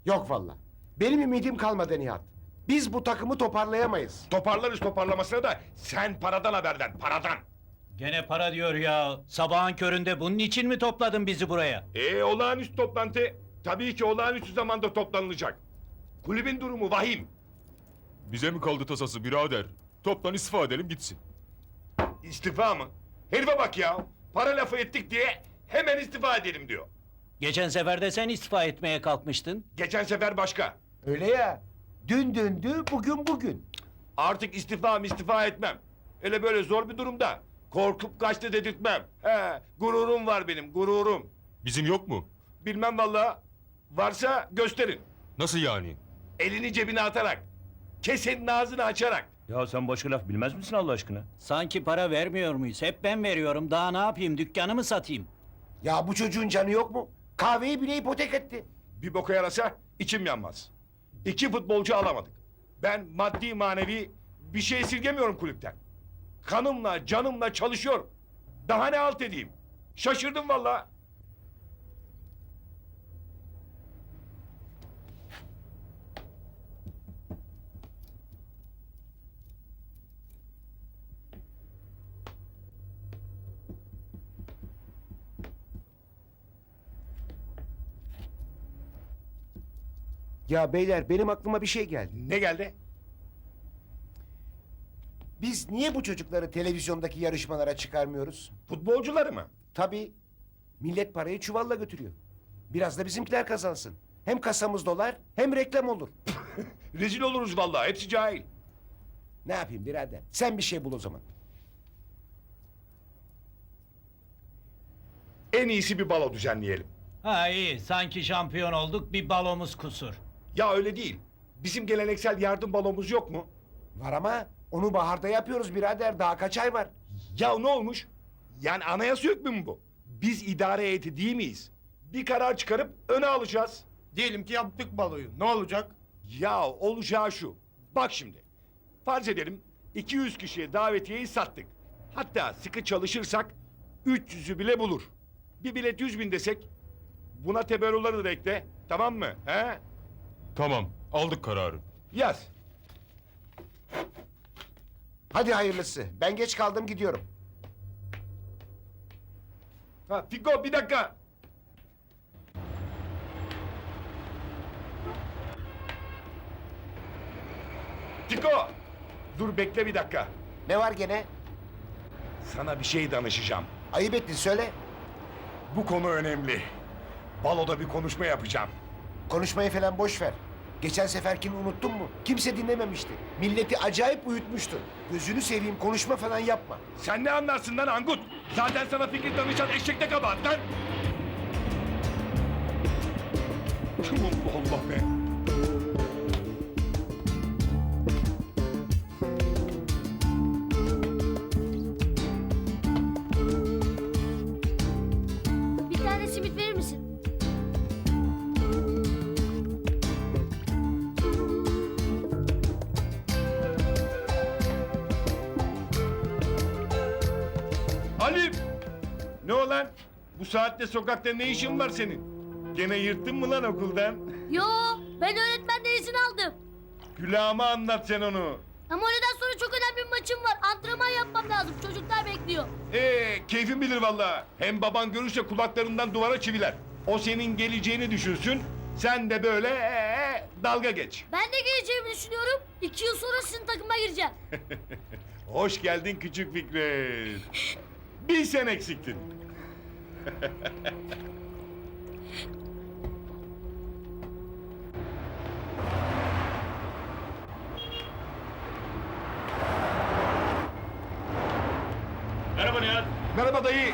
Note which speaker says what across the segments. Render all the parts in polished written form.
Speaker 1: Yok valla. Benim ümidim kalmadı Nihat. Biz bu takımı toparlayamayız.
Speaker 2: Toparlarız toparlamasına da sen paradan haberden, paradan.
Speaker 3: Gene para diyor ya. Sabahın köründe bunun için mi topladın bizi buraya?
Speaker 2: Olağanüstü toplantı tabii ki olağanüstü zamanda toplanılacak. Kulübün durumu vahim.
Speaker 4: Bize mi kaldı tasası birader? Toptan istifa edelim gitsin.
Speaker 2: İstifa mı? Herife bak ya. Para lafı ettik diye hemen istifa edelim diyor.
Speaker 3: Geçen sefer de sen istifa etmeye kalkmıştın.
Speaker 2: Geçen sefer başka.
Speaker 1: Öyle ya. Dün dündü, bugün bugün.
Speaker 2: Artık istifa etmem. Öyle böyle zor bir durumda. Korkup kaçtı dedirtmem. Gururum var benim, gururum.
Speaker 4: Bizim yok mu?
Speaker 2: Bilmem vallahi. Varsa gösterin.
Speaker 4: Nasıl yani?
Speaker 2: Elini cebine atarak. Kesenin ağzını açarak.
Speaker 5: Ya sen başka laf bilmez misin Allah aşkına?
Speaker 3: Sanki para vermiyor muyuz? Hep ben veriyorum. Daha ne yapayım? Dükkanı mı satayım?
Speaker 1: Ya bu çocuğun canı yok mu? Kahveyi bile ipotek etti.
Speaker 2: Bir boka yarasa içim yanmaz. 2 futbolcu alamadık. Ben maddi manevi bir şey esirgemiyorum kulüpten. Kanımla canımla çalışıyorum. Daha ne halt edeyim? Şaşırdım vallahi.
Speaker 1: Ya beyler benim aklıma bir şey geldi.
Speaker 2: Ne geldi?
Speaker 1: Biz niye bu çocukları televizyondaki yarışmalara çıkarmıyoruz?
Speaker 2: Futbolcuları mı?
Speaker 1: Tabii. Millet parayı çuvalla götürüyor. Biraz da bizimkiler kazansın. Hem kasamız dolar hem reklam olur.
Speaker 2: Rezil oluruz vallahi. Hepsi cahil.
Speaker 1: Ne yapayım birader? Sen bir şey bul o zaman.
Speaker 2: En iyisi bir balo düzenleyelim.
Speaker 3: Ha iyi. Sanki şampiyon olduk. Bir balomuz kusur.
Speaker 2: Ya öyle değil. Bizim geleneksel yardım balomuz yok mu?
Speaker 1: Var ama onu baharda yapıyoruz birader. Daha kaç ay var?
Speaker 2: Ya ne olmuş? Yani anayasa hükmü mü bu? Biz idare heyeti değil miyiz? Bir karar çıkarıp öne alacağız.
Speaker 6: Diyelim ki yaptık baloyu. Ne olacak?
Speaker 2: Ya olacağı şu. Bak şimdi. Farz edelim 200 kişiye davetiyeyi sattık. Hatta sıkı çalışırsak 300'ü bile bulur. Bir bilet 100.000 desek buna teberruları da ekle. Tamam mı? He?
Speaker 4: Tamam, aldık kararı.
Speaker 2: Yaz.
Speaker 1: Hadi hayırlısı. Ben geç kaldım gidiyorum.
Speaker 2: Ha, Fiko bir dakika. Fiko. Dur bekle bir dakika.
Speaker 1: Ne var gene?
Speaker 2: Sana bir şey danışacağım.
Speaker 1: Ayıp ettin söyle.
Speaker 2: Bu konu önemli. Baloda bir konuşma yapacağım.
Speaker 1: Konuşmayı falan boş ver. Geçen seferkini unuttun mu? Kimse dinlememişti. Milleti acayip uyutmuştu. Gözünü seveyim konuşma falan yapma.
Speaker 2: Sen ne anlarsın lan Angut? Zaten sana fikir danışan eşekte kabahat lan. Allah Allah be.
Speaker 7: Bir tane simit verir misin?
Speaker 2: Halim! Ne olan? Bu saatte sokakta ne işin var senin? Gene yırttın mı lan okuldan?
Speaker 7: Yo, ben öğretmenden izin aldım.
Speaker 2: Külahıma anlat sen onu.
Speaker 7: Ama öğleden sonra çok önemli bir maçım var. Antrenman yapmam lazım. Çocuklar bekliyor.
Speaker 2: Keyfin bilir vallahi. Hem baban görürse kulaklarından duvara çiviler. O senin geleceğini düşünsün. Sen de böyle dalga geç.
Speaker 7: Ben de geleceğimi düşünüyorum. 2 yıl sonra sizin takıma gireceğim.
Speaker 2: Hoş geldin küçük Fikret. Bir sen eksiktin.
Speaker 5: Merhaba Nihat.
Speaker 2: Merhaba dayı.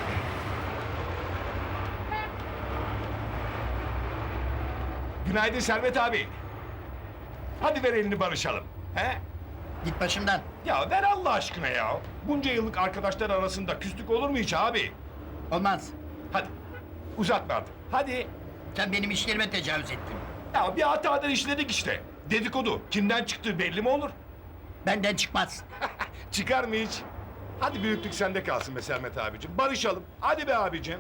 Speaker 2: Günaydın Servet abi. Hadi ver elini barışalım. He?
Speaker 6: Git başımdan.
Speaker 2: Ya ver Allah aşkına ya. Bunca yıllık arkadaşlar arasında küslük olur mu hiç abi?
Speaker 6: Olmaz.
Speaker 2: Hadi uzatma artık. Hadi.
Speaker 6: Sen benim işlerime tecavüz ettin.
Speaker 2: Ya bir hatadan işledik işte. Dedikodu. Kimden çıktığı belli mi olur?
Speaker 6: Benden çıkmaz.
Speaker 2: Çıkar mı hiç? Hadi büyüklük sende kalsın be Sermet abicim. Barışalım. Hadi be abicim.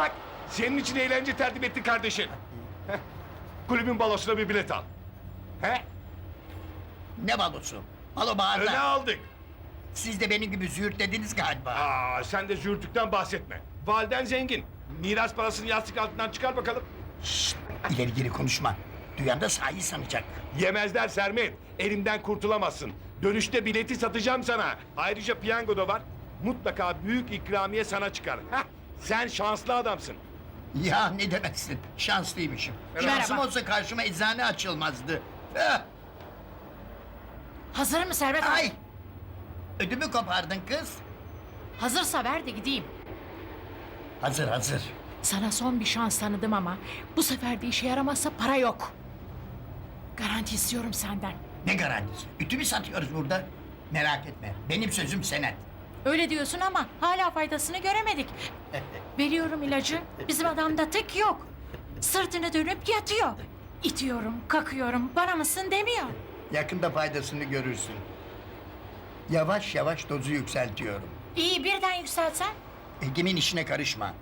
Speaker 2: Bak senin için eğlence tertip etti kardeşin. Heh, kulübün balosuna bir bilet al. He?
Speaker 6: Ne balosu? Balo
Speaker 2: Öne
Speaker 6: bağırda.
Speaker 2: aldık.
Speaker 6: Siz de benim gibi züğürtlediniz galiba.
Speaker 2: Aa, sen de zürtükten bahsetme. Validen zengin. Miras parasını yastık altından çıkar bakalım.
Speaker 6: Şşt, ileri geri konuşma. Duyan da sahi sanacak.
Speaker 2: Yemezler Sermet. Elimden kurtulamazsın. Dönüşte bileti satacağım sana. Ayrıca piyango da var. Mutlaka büyük ikramiye sana çıkar. Heh, sen şanslı adamsın.
Speaker 6: Ya ne demezsin, şanslıymışım.
Speaker 8: Merhaba.
Speaker 6: Şansım olsa karşıma eczane açılmazdı. Eh,
Speaker 8: Hazır mı Servet abi?
Speaker 6: ay! Ödümü kopardın kız.
Speaker 8: Hazırsa ver de gideyim.
Speaker 6: Hazır hazır.
Speaker 8: Sana son bir şans tanıdım ama bu sefer de işe yaramazsa para yok. Garanti istiyorum senden.
Speaker 6: Ne garantisi? Ütü mü satıyoruz burada? Merak etme, benim sözüm senet.
Speaker 8: Öyle diyorsun ama hala faydasını göremedik. Veriyorum ilacı, bizim adamda tık yok. Sırtını dönüp yatıyor. İtiyorum, kakıyorum, bana mısın demiyor.
Speaker 6: Yakında faydasını görürsün. Yavaş yavaş dozu yükseltiyorum.
Speaker 8: İyi birden yükselsen.
Speaker 6: Egemin işine karışma.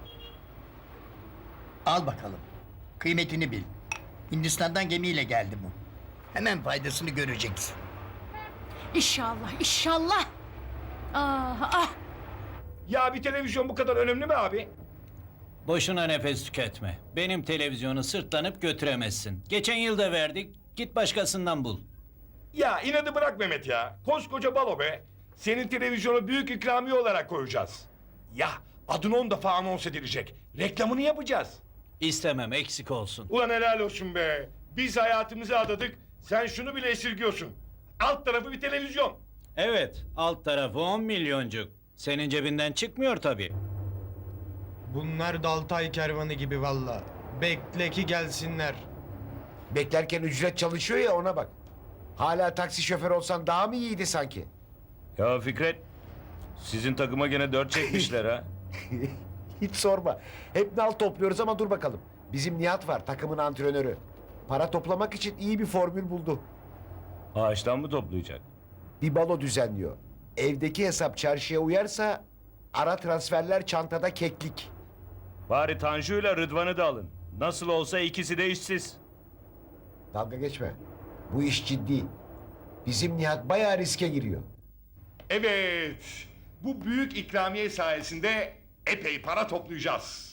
Speaker 6: Al bakalım. Kıymetini bil. Hindistan'dan gemiyle geldi bu. Hemen faydasını göreceksin.
Speaker 8: İnşallah, inşallah. Ah, ah.
Speaker 2: Ya bir televizyon bu kadar önemli mi abi?
Speaker 3: Boşuna nefes tüketme. Benim televizyonu sırtlanıp götüremezsin. Geçen yıl da verdik. Git başkasından bul.
Speaker 2: Ya inadı bırak Mehmet ya. Koskoca balo be. Senin televizyonu büyük ikramiye olarak koyacağız. Ya adın 10 defa anons edilecek. Reklamını yapacağız.
Speaker 3: İstemem, eksik olsun.
Speaker 2: Ulan helal olsun be. Biz hayatımızı adadık. Sen şunu bile esirgiyorsun. Alt tarafı bir televizyon.
Speaker 3: Evet, alt tarafı 10 milyoncuk. Senin cebinden çıkmıyor tabii.
Speaker 9: Bunlar Daltay kervanı gibi valla. Bekle ki gelsinler.
Speaker 1: Beklerken ücret çalışıyor ya ona bak. Hala taksi şoförü olsan daha mı iyiydi sanki?
Speaker 5: Ya Fikret, sizin takıma gene 4 çekmişler ha.
Speaker 1: Hiç sorma. Hep nal topluyoruz ama dur bakalım. Bizim Nihat var takımın antrenörü. Para toplamak için iyi bir formül buldu.
Speaker 5: Ağaçtan mı toplayacak?
Speaker 1: Bir balo düzenliyor. Evdeki hesap çarşıya uyarsa ara transferler çantada keklik.
Speaker 5: Bari Tanju'yla Rıdvan'ı da alın. Nasıl olsa ikisi de işsiz.
Speaker 1: Dalga geçme. Bu iş ciddi. Bizim Nihat bayağı riske giriyor.
Speaker 2: Evet. Bu büyük ikramiye sayesinde epey para toplayacağız.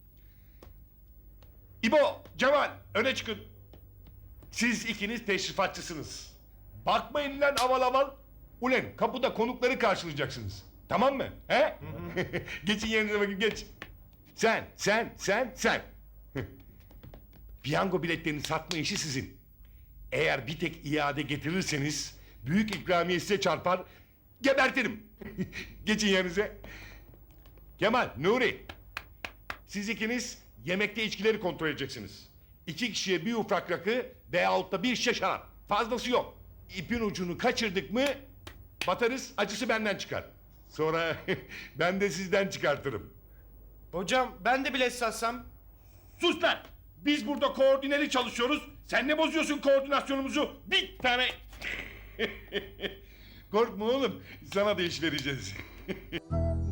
Speaker 2: İbo, Cemal öne çıkın. Siz ikiniz teşrifatçısınız. Bakmayın lan aval aval. Ulen kapıda konukları karşılayacaksınız. Tamam mı? He? Geçin yerinize bakın geç. Sen. Piyango biletlerini satma işi sizin. Eğer bir tek iade getirirseniz büyük ikramiye size çarpar, gebertirim. Geçin yerinize. Kemal, Nuri. Siz ikiniz yemekte içkileri kontrol edeceksiniz. 2 kişiye bir ufak rakı veyahut da bir şişe şarap. Fazlası yok. İpin ucunu kaçırdık mı batarız, acısı benden çıkar. Sonra ben de sizden çıkartırım.
Speaker 9: Hocam ben de bilet satsam.
Speaker 2: Sus lan! Biz burada koordineli çalışıyoruz. Sen ne bozuyorsun koordinasyonumuzu? Bir tane... Korkma oğlum. Sana da iş vereceğiz.